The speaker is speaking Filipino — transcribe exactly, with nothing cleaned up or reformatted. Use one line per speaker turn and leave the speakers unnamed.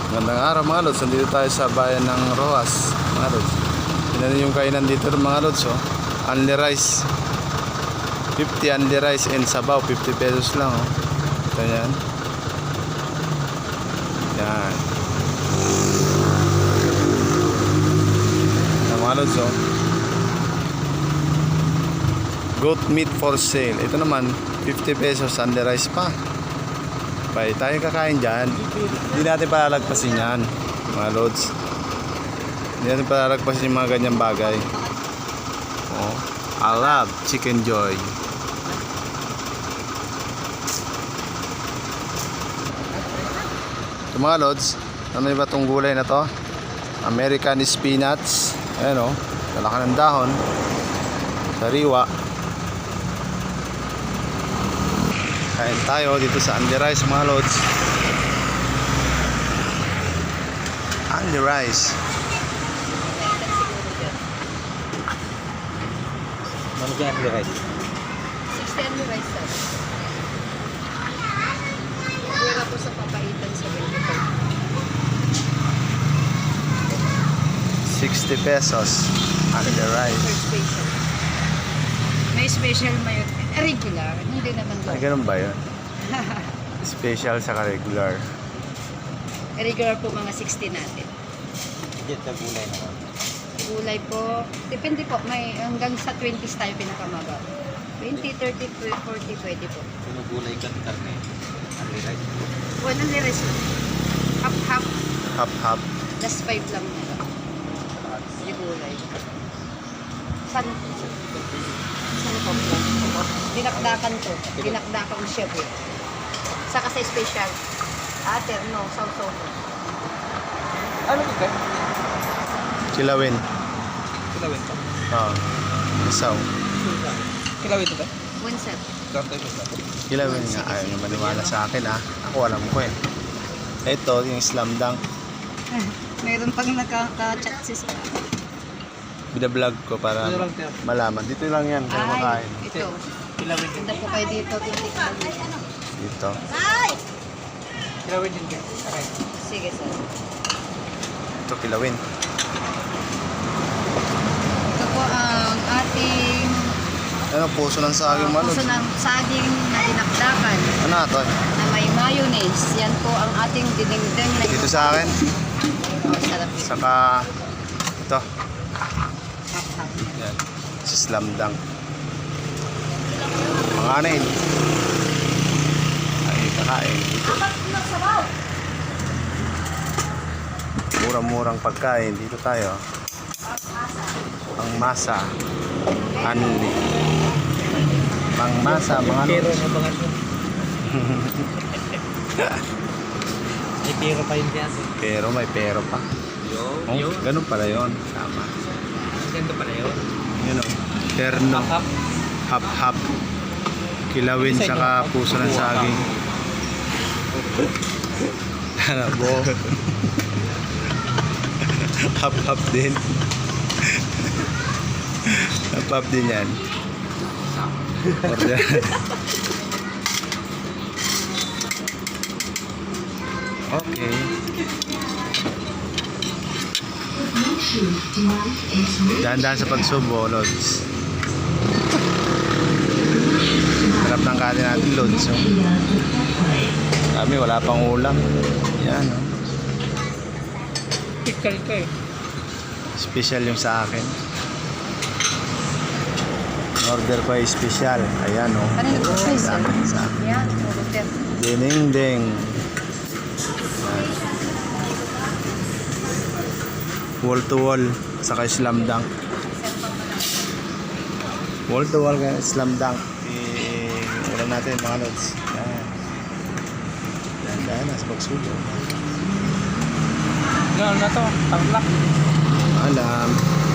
Magandang araw mga lods, nandito tayo sa bayan ng Rojas mga lods. Yan yung kainan dito mga lods, oh. Only rice fifty, only rice and sabaw fifty pesos lang, oh. Ito yan. Yan. Yan mga lods, oh. Goat meat for sale. Ito naman fifty pesos, only rice pa. Bay, tayo kakain dyan. Hindi natin palalagpasin yan mga lods. Hindi natin palalagpasin yung mga ganyang bagay. Oh, I love chicken joy. Ito mga lods, ano ba itong gulay na to? American spinach. Ayan o, talaka ng dahon, sariwa. Kain tayo dito sa Only Rice mga lods. Only Rice.
Ano kaya Only Rice?
sixty Only Rice, sir. Pwera po sa papaitan sa twenty-five.
sixty pesos. Only Rice.
Per special. May special mayon. Regular. Hindi naman
Ay,
doon.
ganun ba yun? Special sa regular.
Regular po mga sixty natin.
Diyan sa gulay naman.
Gulay po. Depende po. May hanggang sa twenties tayo pinakamaba. twenty, thirty, forty, pwede po.
Kung gulay ka, karne. Only Rice.
One Only Rice lang. Half, half.
Hap hap.
Last five lang nila. Yung gulay. San? San po po? Dinakdakan to. Dinakdakan siya po. Saka sa special. Ater, no. Sausaw mo.
Ano ito?
Kilawin.
Kilawin pa.
Oo. Isaw.
Kilawin ito ba?
One set.
Karto ito ba?
Kilawin nga. Ayaw nyo maniwala sa akin, ah. Ako alam ko eh. Ito, yung slam dunk.
Mayroon pang nagka-chat sis.
Bida-vlog ko para
Dito lang, sir.
malaman. Dito lang yan. Kaya
Ay,
makain.
ito.
Kilawin din.
Ganda po kayo dito. Titikman dito.
Dito.
Kilawin din ka. Okay.
Sige, sir.
Ito, kilawin.
Ito po ang ating
Ano, puso ng saging
uh,
malod.
puso ng saging na dinakdakan
Ano ito?
na may mayonnaise. Yan po ang ating dinengdeng na
Dito sa akin.
Oh, sarap yun.
Saka ito.
Hap-hap.
Yan. Si slam dunk. Mga anin. Ay, kakain. Dito. Murang-murang pagkain. Dito tayo. Ang masa. Anli. Pang masa, mga
Pero
lods.
ang bangan mo. May pero pa yun dyan.
Pero may pero pa.
Yun.
Oh,
Yun.
ganun pala yun. Tama.
Ganda pala yun.
Yun o. Terno.
Hap-hap.
Hap-hap. Kilawin
Isa
saka
yun.
puso ng saging. Ano bo? Hap-hap din. Hap-hap din yan. Order. Okay. Dahan-dahan sa pagsubo, Lods. Harap ng kanin natin, Lods. So. Kami, wala pang ulam. Yan, oh.
Pikal ka eh.
Special yung sa akin. Order ko ay special. Ayan, oh.
Kanino po
Sa
special?
akin, sa akin.
Yan. Order.
Ding-ding. Wall to wall. Saka slam dunk. Wall to wall kaya slam dunk. Eh, ulam natin mga lods. Yan. Yan, dahil nasa pagsubo.
Gano'n na to. Tarlac.
Alam.